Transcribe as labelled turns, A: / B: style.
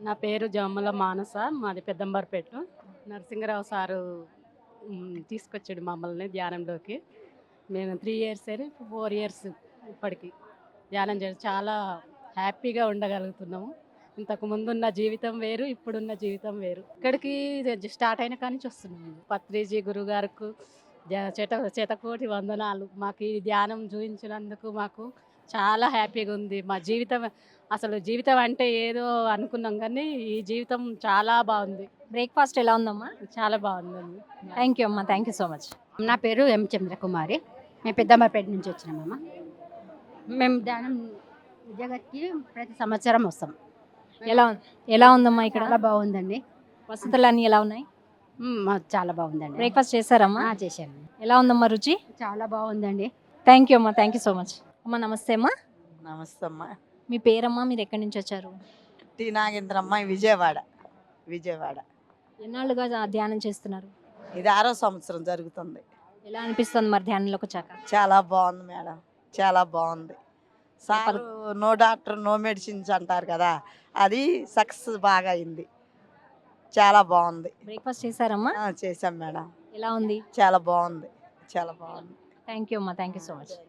A: నా పేరు జమ్మల మానస. మాది పెద్దంబర్పేట. నరసింగరావు సారు తీసుకొచ్చాడు మమ్మల్ని ధ్యానంలోకి. మేము 3 ఇయర్స్ అని 4 ఇయర్స్ ఇప్పటికి ధ్యానం చేసి చాలా హ్యాపీగా ఉండగలుగుతున్నాము. ఇంతకు ముందున్న జీవితం వేరు, ఇప్పుడున్న జీవితం వేరు. ఇక్కడికి స్టార్ట్ అయిన కాడి నుంచి వస్తున్నాము. పత్రిజీ గురుగారికి శతకోటి వందనాలు. మాకు ఈ ధ్యానం చూపించినందుకు మాకు చాలా హ్యాపీగా ఉంది. మా జీవితం అసలు జీవితం అంటే ఏదో అనుకున్నాం కానీ ఈ జీవితం చాలా బాగుంది.
B: బ్రేక్ఫాస్ట్ ఎలా ఉందమ్మా?
A: చాలా బాగుందండి.
B: థ్యాంక్ యూ అమ్మా, థ్యాంక్ యూ సో మచ్.
C: నా పేరు ఎం చంద్రకుమారి. మేము పెద్దమ్మపేట నుంచి వచ్చినామమ్మ. మేము ధ్యానం విద్యాగతికి ప్రతి సంవత్సరం వస్తాం.
B: ఎలా ఉందమ్మా ఇక్కడ?
C: చాలా బాగుందండి.
B: వసతులు అన్నీ ఎలా ఉన్నాయి?
C: చాలా బాగుందండి.
B: బ్రేక్ఫాస్ట్ చేశారమ్మా?
C: చేశాను.
B: ఎలా ఉందమ్మా రుచి?
C: చాలా బాగుందండి.
B: థ్యాంక్ యూ అమ్మా, థ్యాంక్ యూ సో మచ్. అమ్మా నమస్తే అమ్మా.
D: నమస్తే అమ్మా.
B: మీ పేరమ్మా, మీరు ఎక్కడి నుంచి వచ్చారు?
D: టి నాగేంద్రమ్మ, విజయవాడ.
B: ఎన్నాళ్ళుగా ధ్యానం చేస్తున్నారు?
D: ఇది 6వ సంవత్సరం జరుగుతుంది.
B: ఎలా అనిపిస్తుంది మరి ధ్యానంలోకి వచ్చాక?
D: చాలా బాగుంది మేడం, చాలా బాగుంది. Sir no doctor no medicines అంటారు కదా, అది సక్సెస్ బాగా అయింది. చాలా బాగుంది.
B: బ్రేక్ఫాస్ట్ చేశారమ్మా?
D: చేసాం మేడం.
B: ఎలా ఉంది?
D: చాలా బాగుంది, చాలా బాగుంది.
B: థ్యాంక్ యూ అమ్మా, థ్యాంక్ యూ సో మచ్.